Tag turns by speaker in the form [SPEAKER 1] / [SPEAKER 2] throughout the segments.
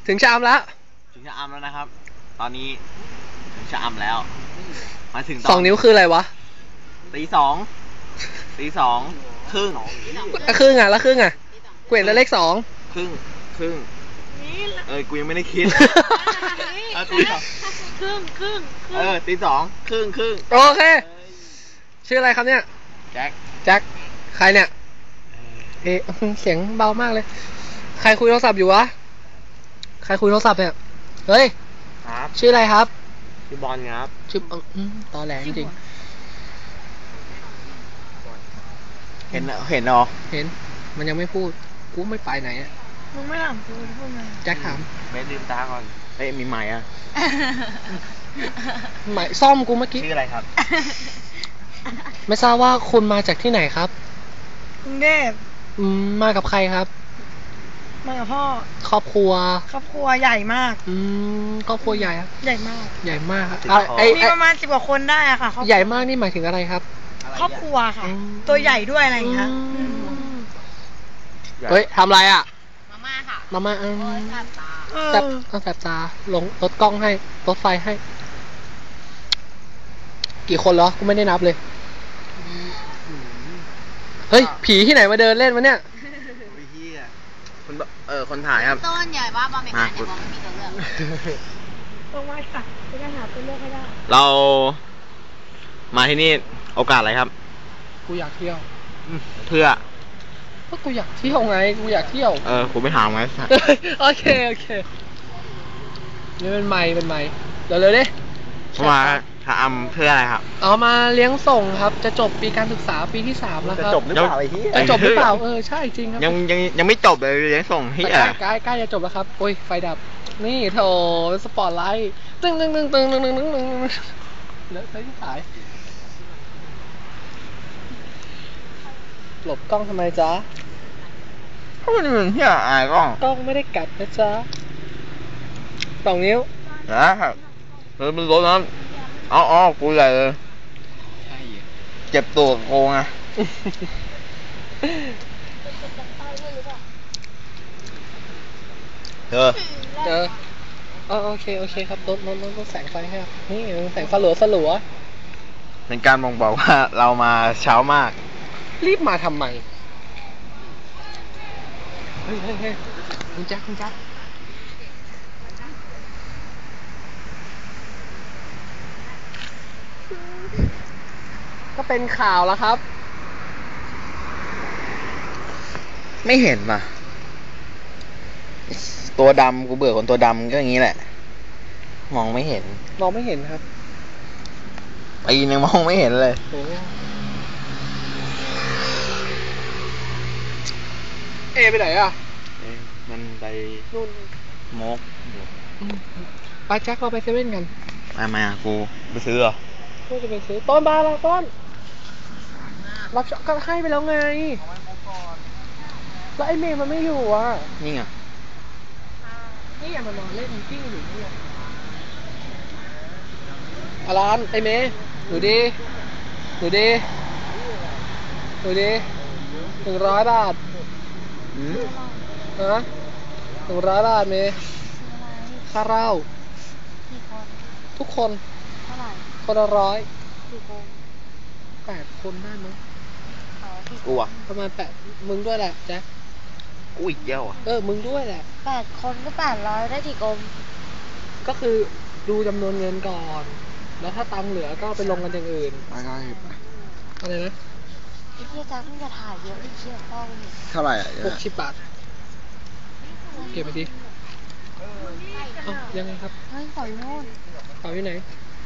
[SPEAKER 1] ถึงชะอำแล้ว
[SPEAKER 2] ถึงชะอำแล้วนะครับตอนนี้ถึงชะอำแล้วมาถึง
[SPEAKER 1] 2 นิ้วคืออะไรวะ
[SPEAKER 2] ตีสองครึ่ง
[SPEAKER 1] แล้วครึ่งอ่ะกูเห็นแต่เลข2
[SPEAKER 2] ครึ่งกูยังไม่ได้คิดตีสองครึ่งตีสองครึ่ง
[SPEAKER 1] โอเคชื่ออะไรครับเนี่ย
[SPEAKER 2] แจ็ค
[SPEAKER 1] ใครเนี่ยเสียงเบามากเลยใครคุยโทรศัพท์อยู่วะใครคุยโทรศัพท์เนี่ยเฮ้ย
[SPEAKER 2] ครับ
[SPEAKER 1] ชื่ออะไรครับ
[SPEAKER 2] ชื่อบอลครับ
[SPEAKER 1] ชื่อตอแหลจริง
[SPEAKER 2] เห็นเหรอเห็น
[SPEAKER 1] มันยังไม่พูดกูไม่ไปไหนอ่ะ
[SPEAKER 3] มึงไม่ถามกูพูดมา
[SPEAKER 1] แจ็คถาม
[SPEAKER 2] เบสลืมตาก่อนมีใหม่อ่ะ
[SPEAKER 1] ใหม่ซ่อมกูเมื่อกี้
[SPEAKER 2] ชื่ออะไรครับ
[SPEAKER 1] ไม่ทราบว่าคุณมาจากที่ไหนครับ
[SPEAKER 3] กรุงเทพ
[SPEAKER 1] มากับใครครับ
[SPEAKER 3] มากับพ่อ
[SPEAKER 1] ครอบครัว
[SPEAKER 3] ใหญ่มาก
[SPEAKER 1] ครอบครัวใหญ่ครับ
[SPEAKER 3] ใหญ่มาก
[SPEAKER 1] ครับ
[SPEAKER 3] มีประมาณ10 กว่าคนได้อะค่ะ
[SPEAKER 1] ใหญ่มากนี่หมายถึงอะไรครับ
[SPEAKER 3] ครอบครัวค่ะตัวใหญ่ด้วยอะไรอย่างเงี้ย
[SPEAKER 1] เฮ้ยทำอะไรอ่ะ
[SPEAKER 3] มาม่าค่ะ
[SPEAKER 1] มาม่าแสบตาลงรถกล้องให้รถไฟให้กี่คนเหรอกูไม่ได้นับเลยเฮ้ยผีที่ไหนมาเดินเล่นวะเนี่ย
[SPEAKER 2] คนถ่ายครับ
[SPEAKER 3] ต้นใหญ่ว่าบอมเมกันเนี่ยบอมไม่มีตัวเลือกต้องว่าค่ะจะได้หาตัวเลือกให้ได้
[SPEAKER 2] เรามาที่นี่โอกาสอะไรครับ
[SPEAKER 1] กูอยากเที่ยว
[SPEAKER 2] เพื่อ
[SPEAKER 1] ก็กูอยากเที่ยวไงกูอยากเที่ยว
[SPEAKER 2] กูไม่ถามไง
[SPEAKER 1] โอเคนี่เป็นไม้เร็วดิ
[SPEAKER 2] มาถามเพื่ออะไรครับ
[SPEAKER 1] เอามาเลี้ยงส่งครับจะจบปีการศึกษาปีที่3แล้วครับ
[SPEAKER 2] จะจบหรือเปล่า
[SPEAKER 1] จะจบหรือเปล่าใช่จริงครับ
[SPEAKER 2] ยังไม่จบเลยเลี้ยงส่งที่
[SPEAKER 1] ใกล้จะจบแล้วครับโอ้ยไฟดับนี่โถสปอตไลท์ตึ้งแล้วใช้ที่ขายหลบกล้องทำไมจ๊ะ
[SPEAKER 2] เพราะมันเป็นที่อายก
[SPEAKER 1] ล้องไม่ได้กัดนะจ๊ะ2 นิ้ว
[SPEAKER 2] นะครับมันรถน้ำอ๋อกูใหญ่เลยเจ็บตัวโกงอ่ะ
[SPEAKER 1] โอเคครับรถแสงไฟครับนี่แสงสลัว
[SPEAKER 2] เป็นการบ่งบอกว่าเรามาเช้ามาก
[SPEAKER 1] รีบมาทำไมเฮ้ยคุณแจ็คก็เป็นข่าวแล้วครับ
[SPEAKER 2] ไม่เห็นป่ะตัวดำกูเบื่อคนตัวดำก็อย่างนี้แหละมองไม่เห็น
[SPEAKER 1] ครับ
[SPEAKER 2] ปีนึงมองไม่เห็นเลย
[SPEAKER 1] ไปไหนอ่ะ
[SPEAKER 2] มันไป
[SPEAKER 1] นู่น
[SPEAKER 2] มก
[SPEAKER 1] ไปแจ็คเราไปเซเว่นกัน
[SPEAKER 2] มากูไปซื้อเหรอ
[SPEAKER 1] กูจะไปซื้อต้นบาร์ละต้นรับก็ให้ไปแล้วไงแล้วไอ้เมย์มันไม่อยู่อ่ะ
[SPEAKER 2] นี่ไง
[SPEAKER 1] นี่อย่ามานอนเล่นกิ้งอยู่นี่อารันไอ้เมย์ดูดิ100 บาทฮะ100 บาทเมย์ค่าเหล้าทุกคนคนละ100 8 คนได้มั้ง
[SPEAKER 2] กูอ่ะ
[SPEAKER 1] ประมาณ8มึงด้วยแหละแจ็ค
[SPEAKER 2] กูอีกเยอะ
[SPEAKER 1] มึงด้วยแหละ
[SPEAKER 3] 8 คนก็800ได้กี่กลม
[SPEAKER 1] ก็คือดูจำนวนเงินก่อนแล้วถ้าตังค์เหลือก็ไปลงกันอย่างอื่นอะไรนะ
[SPEAKER 3] ไอ้พี่แจ็คมึงจะถ่ายเยอะไอ้เชี่ยป้อง
[SPEAKER 2] เท่าไหร่
[SPEAKER 1] 60 บาทเก็บไปดิยังไงครับ
[SPEAKER 3] เฮ้ยต่อยโน่น
[SPEAKER 1] ต่อที่ไหน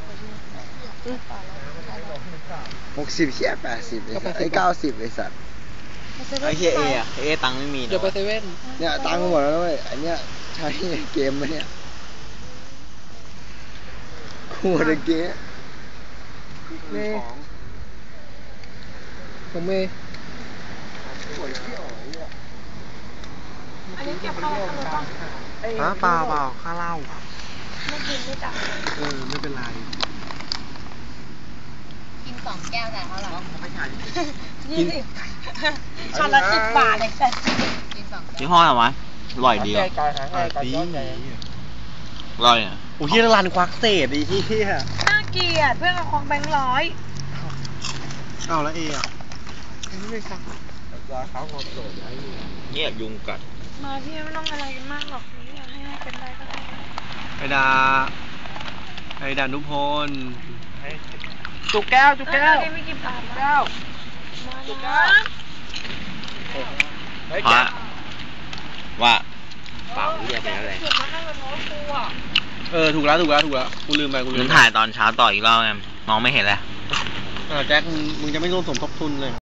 [SPEAKER 2] 60 80 90ไอ้สัตว์ไอ้เอตังค์ไม่มี
[SPEAKER 1] เดี๋ยวไปเซเว่น
[SPEAKER 2] เนี่ยตังค์หมดแล้วเว้ยไอ้เนี้ยใช้เกมมาเนี่ยหัวเกม
[SPEAKER 1] ผมเมย์
[SPEAKER 3] อันนี้เก็บเข้าไปเลยป่ะ
[SPEAKER 2] เปล่าค่าเหล้า
[SPEAKER 3] ไม่กินไม่จับ
[SPEAKER 1] ไม่เป็นไร
[SPEAKER 3] กิน2 แก้วแต่เท่าไหร่
[SPEAKER 2] ไม่ใช่
[SPEAKER 3] 20 ช็อตละ10 บาทเลยแต่
[SPEAKER 2] กิน2 ยี่ห้ออะไรวะอร่อยดีอ่ะ
[SPEAKER 1] ดี
[SPEAKER 2] อร่อยอ่ะ
[SPEAKER 1] โอ้ยรันควักเศษไอ้เหี้ย
[SPEAKER 3] น่าเกลียดเพื่อนเอาของแบงค์ร้อย
[SPEAKER 1] เอาแล้วเอ่ะไม่ครับ
[SPEAKER 2] เนี่ยยุงกัด
[SPEAKER 3] มาพี่ไม่ต้องอะไรกันมากหรอกนี่อยากให้เป็นได้ก็ได้
[SPEAKER 1] ไอ้ดานุพล
[SPEAKER 2] จุกแก้วจุกแก้ว
[SPEAKER 3] ไม่กี่บาท
[SPEAKER 2] แก้ว
[SPEAKER 3] มานะ
[SPEAKER 2] พระว่าเปล่าเรียกไปแล้วเลย
[SPEAKER 3] ถูกมานั่งกับน้องครูอ่ะ
[SPEAKER 1] ถูกแล้วกูลืมไป
[SPEAKER 2] มึงถ่ายตอนเช้าต่ออีกรอบไงมองไม่เห็นแล้ว
[SPEAKER 1] แจ็คมึงจะไม่ร่วมสมทบทุนเลย